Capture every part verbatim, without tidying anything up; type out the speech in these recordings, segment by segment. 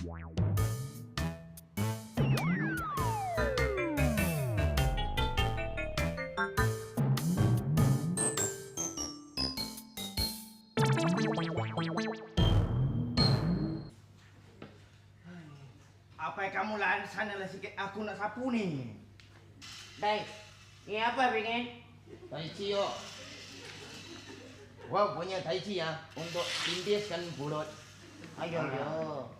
Apa yang kamu lahan sana lah sikit, aku nak sapu ni. Dai, ni apa pengen? Tai Chi yo. Gua punya Tai Chi ya untuk tindiskan bulut. Ayo, ayo.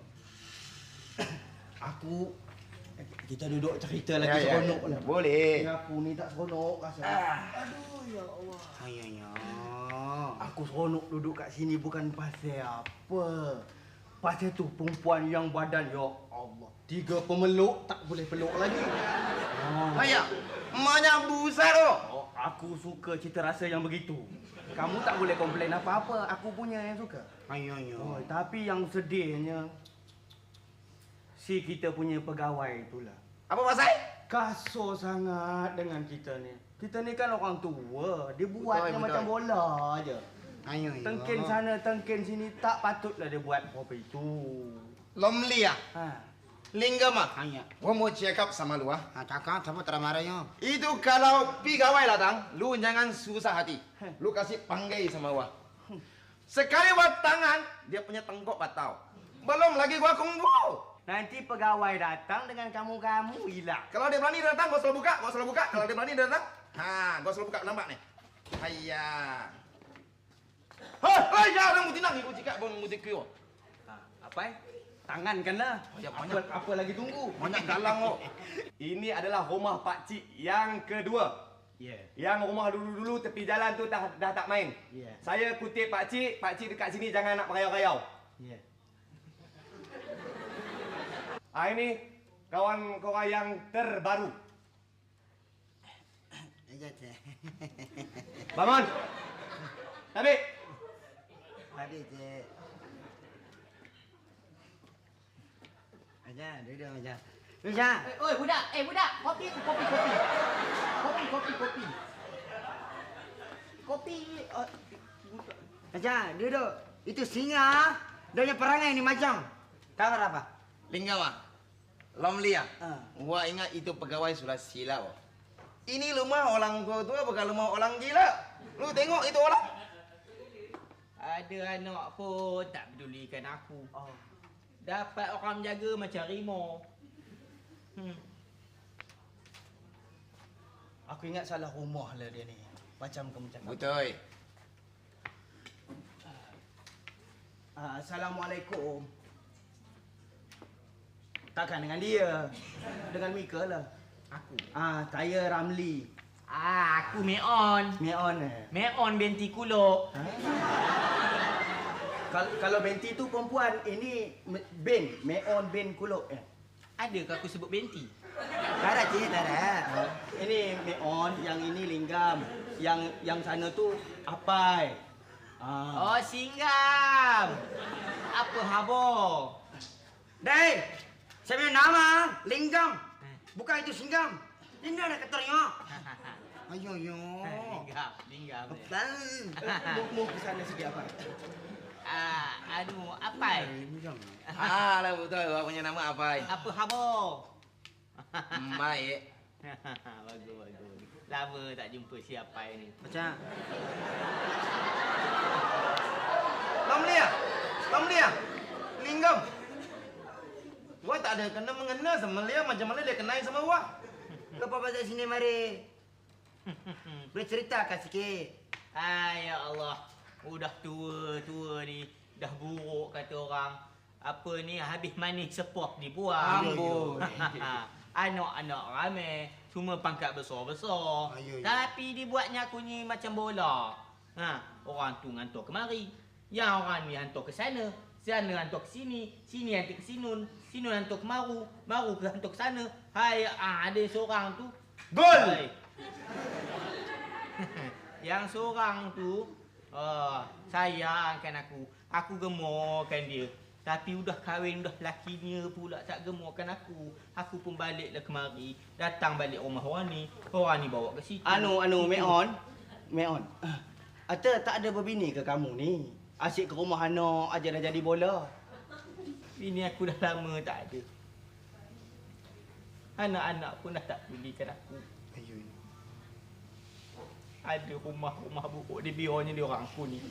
Aku kita duduk cerita lagi Ya, ya, seronok ya. lah. Boleh. Ni aku ni tak seronok rasa. Ah. Aduh ya Allah. Ayahnya. Aku seronok duduk kat sini bukan pasal apa. Pasal tu perempuan yang badan ya Allah. Tiga pemeluk tak boleh peluk lagi. Oh. Ayah, emaknya besar tu. Oh, aku suka cita rasa yang begitu. Kamu tak boleh komplain apa-apa. Aku punya yang suka. Ayahnya. Oh, tapi yang sedihnya si kita punya pegawai itulah. Apa pasal? Kasar sangat dengan kita ni. Kita ni kan orang tua. Dia buatnya Betul, macam betul. bola aje. Ayahnya. Tengkin sana, tengkin sini. Tak patutlah dia buat apa itu. Lomli ya. Ha. Lingga mah. Hanya. Gua mau cakap sama lu ah. Ha, cakap sama teramaranya. Itu kalau pegawai datang, lu jangan susah hati. Lu kasih panggil sama gua. Sekali buat tangan, dia punya tengkok patau. Belum lagi gua kumpul. Nanti pegawai datang dengan kamu-kamu hilang. Kalau dia berani datang, gua selalu buka, gua selalu buka. Kalau dia berani datang, ha, gua selalu buka, nampak nih. Hayya. Hei, hei, jangan mesti nang ibu cakap bang mesti kyo. Ha, apa eh? Tangan kan lah. Ya, Apa, banyak. apa lagi tunggu? Banyak galang kok. Ini adalah rumah Pak Cik yang kedua. Ya. Yeah. Yang rumah dulu-dulu tepi jalan tu dah dah tak main. Ya. Saya kutip Pak Cik, Pak Cik dekat sini jangan nak merayau-rayau. Ya. Ah ini kawan korang yang terbaru. Aja teh. Bangun. Tabik. Tadi teh. Aja, duduk aja. Aja. Eh, oi budak, eh budak, kopi tu, kopi, kopi. Kopi, kopi, kopi. Kopi, uh, Aja, duduk. Itu singa. Dia punya perangai ni macam. Tahu apa? Lingga mah. Lomli ya. Ah. Gua ingat itu pegawai sudah silau. Ini rumah orang tua-tua bukan rumah orang gila. Lu tengok itu orang. ada anak pun tak pedulikan aku. Oh. Dapat orang menjaga macam rimau. Hmm. Aku ingat salah rumah lah dia ni. Macam kamu cakap. Betul. Ah, Assalamualaikum. Takkan dengan dia. Dengan Mika lah. Aku. Ah, saya Ramli. Ah, aku Meon. Meon eh. Meon binti Kulok. Ha? Kal kalau Benti tu perempuan, ini Me- Ben. Meon Ben Kulok eh. Adakah aku sebut binti? Tak ada cik, tak ada. Ah, ini Meon, yang ini Linggam. Yang yang sana tu Apai. Ah. Oh, Singgam. Apa habo? Dai, saya punya nama Linggam. Bukan itu Singgam. Ini ada keternya. Ayo, yo. Linggam, linggam. Betul. Mau, mau ke sana sikit Apai. Ah, anu, apa? Ah, lah betul. Gua punya nama apa? Apa habo? Baik. Bagus, bagus. Lama tak jumpa siapa ni. Macam. Lomli ya? Lomli ya? Linggam. Gua tak ada kena mengena sama dia macam mana dia kenal sama gua. Kau apa pasal sini mari? Bercerita kat sikit. Ay, ya Allah. Udah tua-tua ni. Dah buruk kata orang. Apa ni habis manis sepok dibuang. Amboi. Anak-anak ramai. Cuma pangkat besar-besar. Ayo, ayo. Tapi dibuatnya aku ni macam bola. Ha, orang tu hantar kemari. Yang orang ni hantar ke sana. Sana hantar ke sini. Sini hantar ke sinun. Sinun hantar ke maru. Maru ke hantar ke sana. Hai, ah, ada seorang tu. Gol! Hai. Yang seorang tu oh, sayangkan aku. Aku gemurkan dia. Tapi udah kahwin, udah lakinya pula tak gemurkan aku. Aku pun baliklah kemari. Datang balik rumah orang ni. Orang ni bawa ke situ. Anu, anu, Meon. Meon. Ata tak ada berbini ke kamu ni? Asyik ke rumah anak aja dah jadi bola. Bini aku dah lama tak ada. Anak-anak pun dah tak pedulikan aku. Ayuh. Ada rumah-rumah buruk di biarnya dia orang aku ni.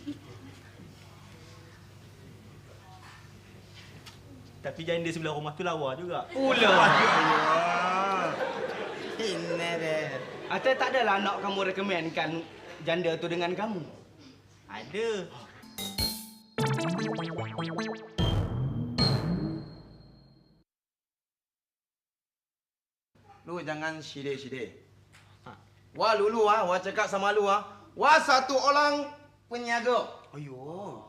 Tapi janda sebelah rumah tu lawa juga. Pula. Ini deh. Atau tak adalah anak kamu rekomenkan janda tu dengan kamu? Ada. Lu jangan sidai-sidai. Ha. Wah lulu ah, wah cakap sama lu ah. Wah satu orang penjaga. Ayuh.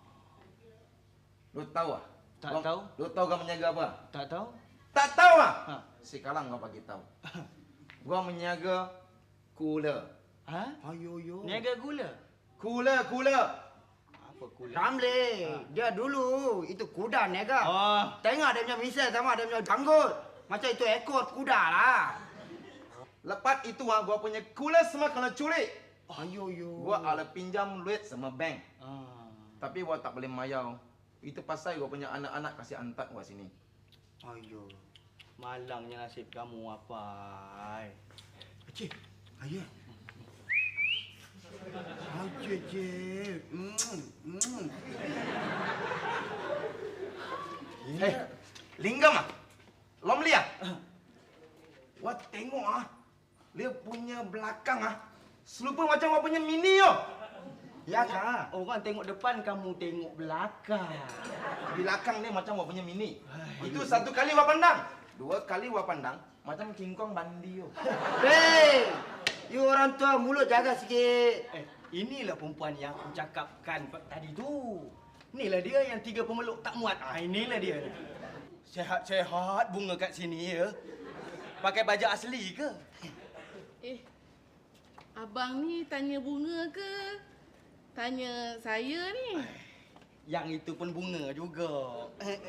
Lu tahu ah? Tak Lu- tahu. Lu tahu kau menjaga apa? Tak tahu? Tak tahu ah? Ha. Sekarang kau bagi tahu. Gua menjaga cooler. Ha? Ayuh, ayuh. Niaga gula. Cooler, cooler. Apa gula? Ramli, dia dulu itu kuda niaga. Oh. Tengok dia punya misal sama dia punya janggut. Macam itu ekor kuda lah. Lepas itu ah, gua punya cooler semua kena curi. Ayuh, ayuh. Gua ada pinjam duit sama bank. Ah. Tapi gua tak boleh mayau. Itu pasal gua punya anak-anak kasih antak gua sini. Ayuh. Malangnya nasib kamu apa? Cik, ayah. Ayah, cik. Hmm, hmm. Eh, Linggam ah? Lom lihat? Wah tengok ah. Dia punya belakang ah. Serupa macam gua punya mini yo. Ya kak, orang tengok depan, kamu tengok belakang. Belakang ni macam gua punya mini. Itu satu kali gua pandang. Dua kali gua pandang macam King Kong bandi yo. Hei, you orang tua mulut jaga sikit. Eh, inilah perempuan yang aku cakapkan tadi tu. Inilah dia yang tiga pemeluk tak muat. Ah, inilah dia. Sehat-sehat bunga kat sini ya. Pakai baju asli ke? Eh, abang ni tanya bunga ke? Tanya saya ni. Yang itu pun bunga juga.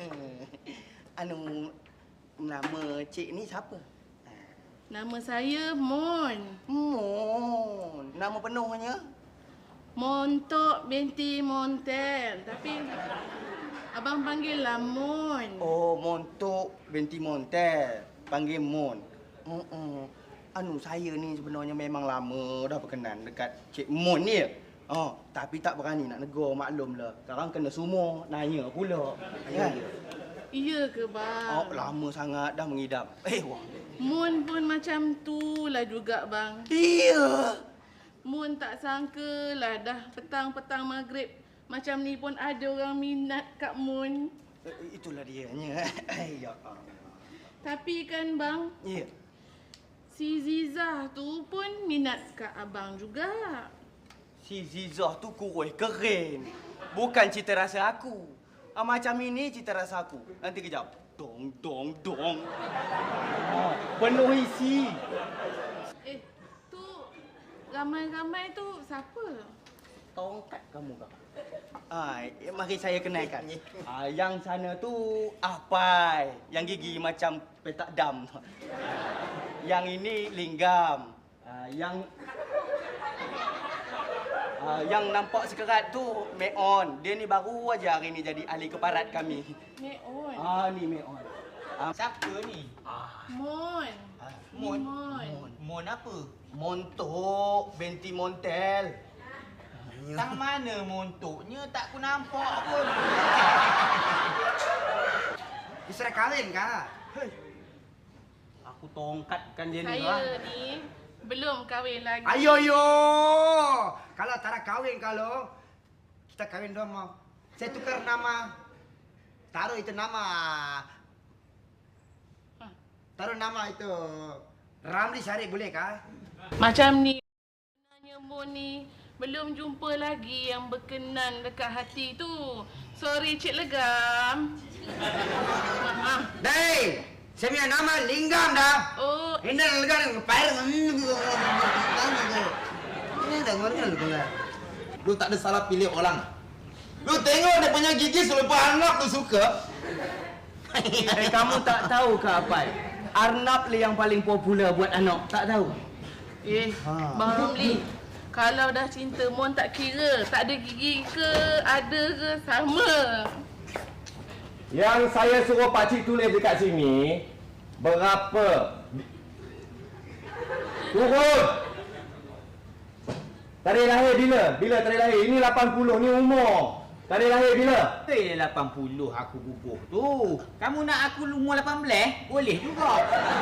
Anu, nama cik ni siapa? Nama saya Mon. Mon. Nama penuhnya? Montok binti Montel. Tapi abang panggil lah Mon. Oh, Montok binti Montel. Panggil Mon. Mm-mm. Anu, saya ni sebenarnya memang lama dah berkenan dekat Cik Mon ni. Oh, tapi tak berani nak negur, maklumlah. Sekarang kena semua nanya pula. Kan? Iya ke Oh, bang? lama sangat dah mengidam. Eh, wah. Mon pun macam tu lah juga bang. Iya. Mon tak sangka lah dah petang-petang maghrib. Macam ni pun ada orang minat kat Mon. Eh, itulah dianya. Ya Allah. Tapi kan bang, Ya. si Zizah tu pun minat kat abang juga. Si Zizah tu kurus keren. Bukan cita rasa aku. Ah, macam ini cita rasa aku. Nanti kejap. Dong, dong, dong. Ah, penuh isi. Eh, tu ramai-ramai tu siapa? Tongkat kamu kak. Ah, mari saya kenalkan. Ah, yang sana tu Apai, yang gigi macam petak dam. Yang ini Linggam. Ah, yang ah, yang nampak sekerat tu Meon. Dia ni baru aja hari ni jadi ahli keparat kami. Meon. Ah, ni Meon. Ah, Siapa ni? Mon. ah, Mon. Mon. Mon apa? Montok binti Montel. Tang mana montoknya tak ku nampak pun. Isra kahwin kah? Aku tongkatkan dia ni. Saya ni belum kahwin lagi. Ayo yo. Kalau tak ada kahwin kalau kita kahwin dong mau. Saya tukar nama. Taruh itu nama. Taruh nama itu Ramli Syarif boleh kah? Macam ni. Sebenarnya Mon ni belum jumpa lagi yang berkenan dekat hati tu. Sorry Cik Legam. Maaf. Dai, saya punya nama Linggam dah. Oh, Ini lega dengan pair. Ini dah ngorang lu lah. Lu tak ada salah pilih orang. Lu tengok dia punya gigi selepas anak lu suka. Eh, kamu tak tahu ke Apai? Arnab lah yang paling popular buat anak. Tak tahu? eh, Bang Ramli. Kalau dah cinta Mon tak kira. Tak ada gigi ke, ada ke, sama. Yang saya suruh pakcik tulis dekat sini, berapa? Turun! Tarikh lahir bila? Bila tarikh lahir? Ini lapan puluh, ni umur. Tarikh lahir bila? Eh, lapan puluh aku bubuh tu. Kamu nak aku umur lapan belas? Boleh juga.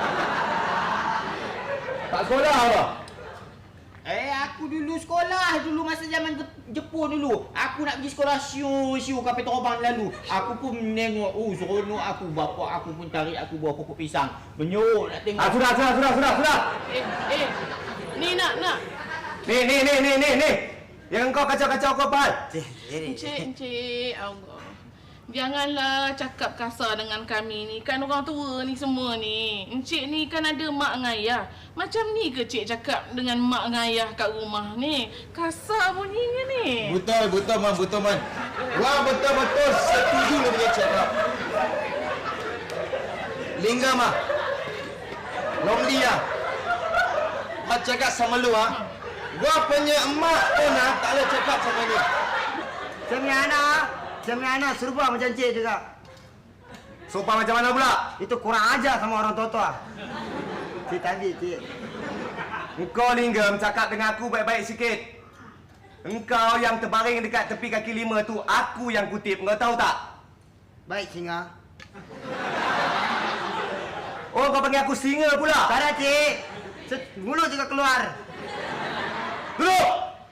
Tak sekolah apa? Eh, aku dulu sekolah dulu masa zaman Jepun dulu. Aku nak pergi sekolah siu-siu kapal terbang lalu. Aku pun menengok, oh seronok aku. Bapa aku pun tarik aku bawa pokok pisang. Menyok nak tengok. Ah, sudah, sudah, sudah, sudah, sudah. Eh, eh. Ni nak, nak. Ni, ni, ni, ni, ni, ni. Yang kau kacau-kacau kau, Pal. Encik, encik. Allah. Janganlah cakap kasar dengan kami ni. Kan orang tua ni semua ni. Encik ni kan ada mak dengan ayah. Macam ni ke cik cakap dengan mak dengan ayah kat rumah ni? Kasar bunyinya ni. Betul, betul, Man. Betul, Man. Wah, betul-betul setuju dengan cakap. Lingga, mah. Lonely, ah. Mak cakap sama lu, ah. Gua punya emak pun, ah, tak boleh cakap sama ni. Saya punya anak, saya punya anak serupa macam cik juga. Sopan macam mana pula? Itu kurang ajar sama orang tua-tua. Cik tadi, cik. Engkau, Linggam, cakap dengan aku baik-baik sikit. Engkau yang terbaring dekat tepi kaki lima tu, aku yang kutip. Engkau tahu tak? Baik, singa. Oh, kau panggil aku singa pula? Tak ada, cik. Se- Mulut juga keluar. Duduk!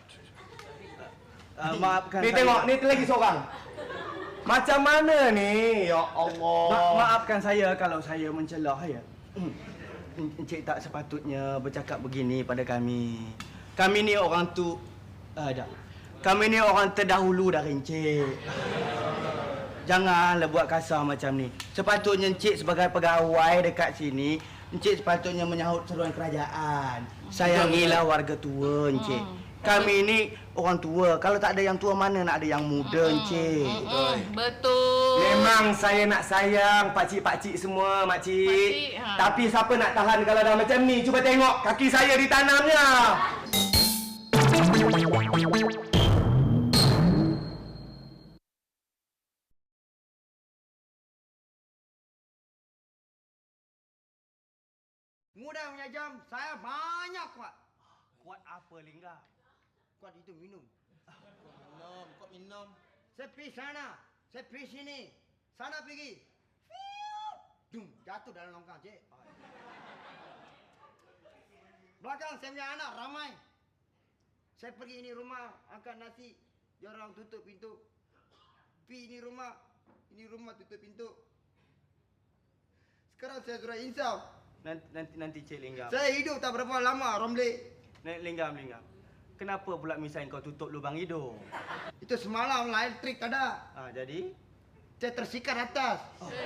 Uh, maafkan Ni saya. tengok, ni lagi seorang. Macam mana ni? Ya Allah. Ma- maafkan saya kalau saya mencelah ya. Hmm. Encik tak sepatutnya bercakap begini pada kami. Kami ni orang tu ada. Kami ni orang terdahulu dari encik. Janganlah buat kasar macam ni. Sepatutnya encik sebagai pegawai dekat sini, encik sepatutnya menyahut seruan kerajaan. Sayangilah warga tua encik. Kami ni orang tua. Kalau tak ada yang tua, mana nak ada yang muda encik. Mm-mm, betul. Memang saya nak sayang pakcik-pakcik semua, makcik. Pakcik, ha. Tapi siapa nak tahan kalau dah macam ni? Cuba tengok kaki saya ditanamnya. Mudah punya jam, saya banyak kuat. Kuat apa, Lingga? Kuat itu minum. Minum, kau minum. Saya pergi sana, saya pergi sini. Sana pergi. Fiu. Dum, jatuh dalam longkang, cik. Belakang saya punya anak ramai. Saya pergi ini rumah, angkat nasi. Dia orang tutup pintu. Pergi ini rumah, ini rumah tutup pintu. Sekarang saya sudah insaf. Nanti nanti, nanti Cik Linggam. Saya hidup tak berapa lama, Romli. Nek Linggam, Linggam. Kenapa pula misalnya kau tutup lubang hidung? Itu semalam lah, elektrik tak ada. Ah, jadi? Saya tersikat atas.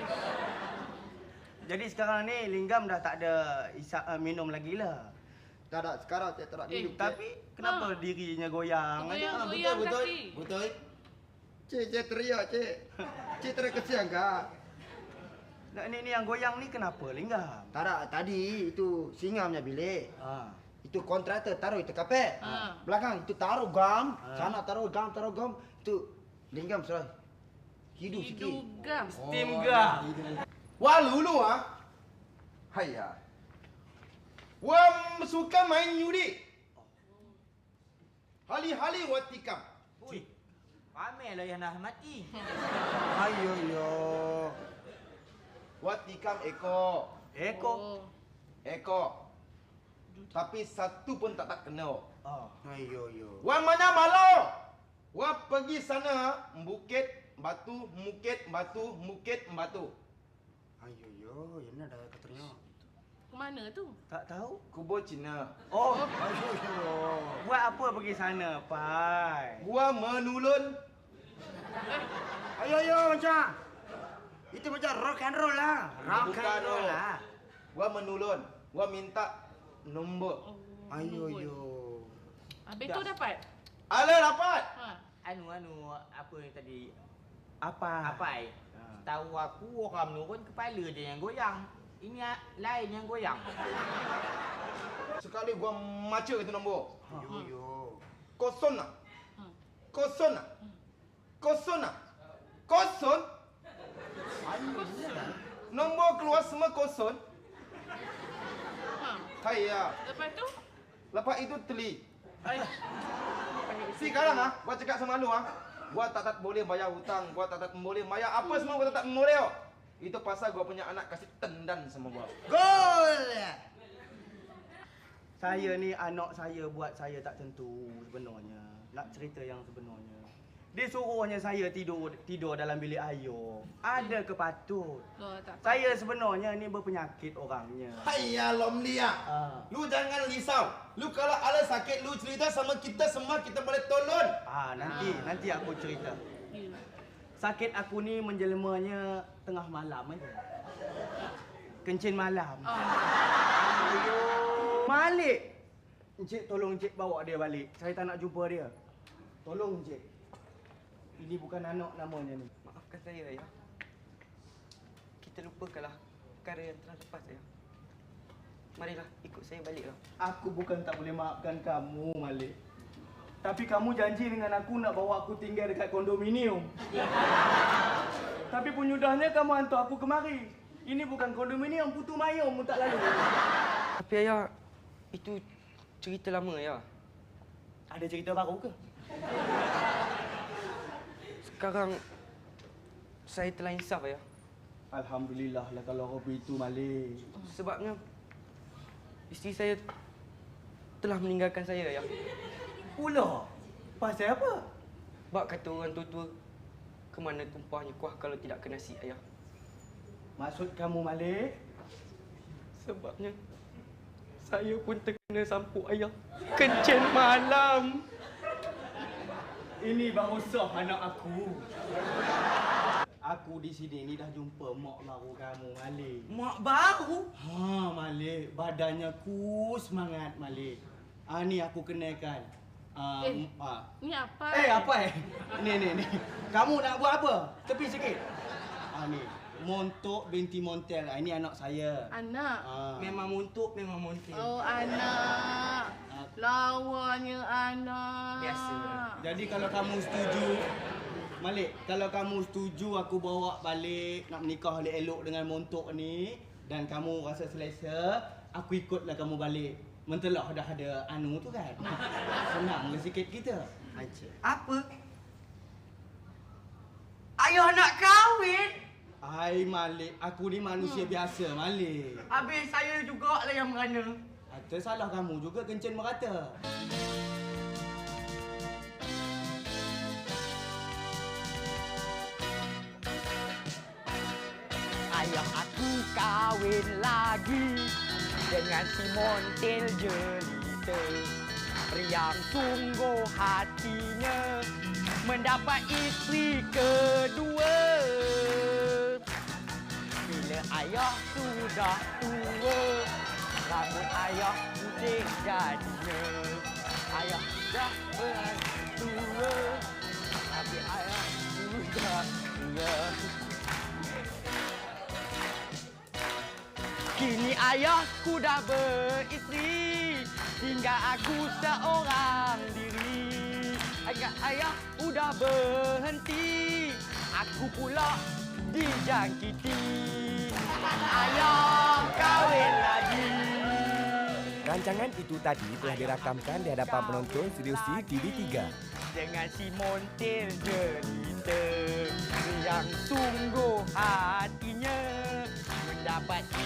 Jadi sekarang ni Linggam dah tak ada isap uh, minum lagi lah. Tak ada, sekarang saya tak ada Eh, minum. Cik. Tapi kenapa Ah. dirinya goyang? Goyang. Ah, betul, Goyang betul. kaki. Betul. Cik, saya teriak, cik. Cik terkesian kah? Nak ni ni yang goyang ni kenapa Linggam? Tak ada, tadi itu singa punya bilik. Ah. Itu kontraktor taruh itu kapet. Ah. Belakang itu taruh gam. Ah. Sana taruh gam, taruh gam. Itu linggam sudah hidup sikit. Hidugam. Steam gah. Wah, lulu ah. Hayya. Wah, suka main judi. Hali-hali watikam. Ui, ramailah yang dah mati. Ayo yo. Watikam eko. Eko. Oh. Eko. Tapi satu pun tak tak kena. Ah. Ayo yo. Wah, mana malau? Wah, pergi sana bukit batu, bukit batu, bukit batu. Ayo yo, ini ada katanya. Ke mana tu? Tak tahu? Kubur Cina. Oh, Ayo yo. buat apa pergi sana, Pai? Gua menulun. Ayo yo macam. Itu macam rock and roll lah. Rock Bukan and roll roll. lah. Gua menulun. Gua minta nombor. Oh, Ayo nombor. yo. Habis tu dapat? Ala dapat. Ha. Anu anu apa yang tadi? Apa? Apa ai? Ah. Tahu aku orang menurun kepala dia yang goyang. Ini a- lain yang goyang. Sekali gua maca itu nombor. Ayo yo. Kosong nak. Hmm. Kosong nak. Kosong nak. Kosong. Nombor keluar semua kosong. Ha. Saya. Lepas tu? Lepas itu teli. Ay. Sekarang ah, gua cakap sama lu ah. Gua tak tak boleh bayar hutang, gua tak tak boleh bayar apa semua gua tak tak boleh. Oh. Itu pasal gua punya anak kasih tendan sama gua. Gol! Saya ni anak saya buat saya tak tentu sebenarnya. Nak cerita yang sebenarnya. Dia suruhnya saya tidur tidur dalam bilik ayah. Ada ke patut? Loh, tak apa. Saya sebenarnya ni berpenyakit orangnya. Hayya lom dia. Ah. Lu jangan risau. Lu kalau ada sakit lu cerita sama kita semua kita boleh tolong. Ah, nanti Ah. nanti aku cerita. Ya. Sakit aku ni menjelemanya tengah malam aja. Kencing malam. Ah. Ayo. Malik. Encik tolong encik bawa dia balik. Saya tak nak jumpa dia. Tolong encik. Ini bukan anak namanya ni. Maafkan saya, ayah. Kita lupakanlah perkara yang telah lepas, ayah. Marilah, ikut saya baliklah. Aku bukan tak boleh maafkan kamu, Malik. Tapi kamu janji dengan aku nak bawa aku tinggal dekat kondominium. Tapi penyudahnya kamu hantar aku kemari. Ini bukan kondominium, Putu Mayum pun tak lalu. Tapi, ayah, itu cerita lama, ayah. Ada cerita baru ke? Sekarang, saya telah insaf, ayah. Alhamdulillah lah kalau Robi itu, Malik. Sebabnya, isteri saya telah meninggalkan saya, ayah. Pula? Pasal apa? Bak kata orang tua-tua, ke mana tumpahnya kuah kalau tidak kena nasi, ayah. Maksud kamu, Malik? Sebabnya, saya pun terkena sampuk, ayah. Kencing malam. Ini baru sah anak aku. Aku di sini ni dah jumpa mak baru kamu, Malik. Mak baru? Ha, Malik. Badannya kus semangat, Malik. Ah, ni aku kenalkan. Ah, Eh. m- ah. Ni apa? Eh, apa eh? Ni, ni, ni. Kamu nak buat apa? Tepi sikit. Ah, ni. Montok binti Montel. Ah, ini anak saya. Anak. Ah. Memang montok, memang montel. Oh, anak. Lawanya anak. Biasa. Jadi kalau kamu setuju, Malik, kalau kamu setuju aku bawa balik nak menikah elok-elok dengan montok ni dan kamu rasa selesa, aku ikutlah kamu balik. Mentelah dah ada anu tu kan. Senanglah sikit kita. Aja. Apa? Ayah nak kahwin? Hai Malik, aku ni manusia hmm. biasa, Malik. Habis saya jugalah yang merana. Ada salah kamu juga kencing merata. Ayah aku kahwin lagi dengan si Montel jelita. Riang sungguh hatinya mendapat isteri kedua. Bila ayah sudah tua, rambut ayah putih jadinya. Ayah sudah tua, tapi ayah sudah tua. Kini ayahku dah beristeri, tinggal aku seorang diri. Agak ayah udah berhenti, aku pula dijangkiti. Ayah kahwin lagi. Rancangan itu tadi telah dirakamkan di hadapan penonton Studio C T V tiga. Dengan si Montel jelita yang sungguh hatinya mendapat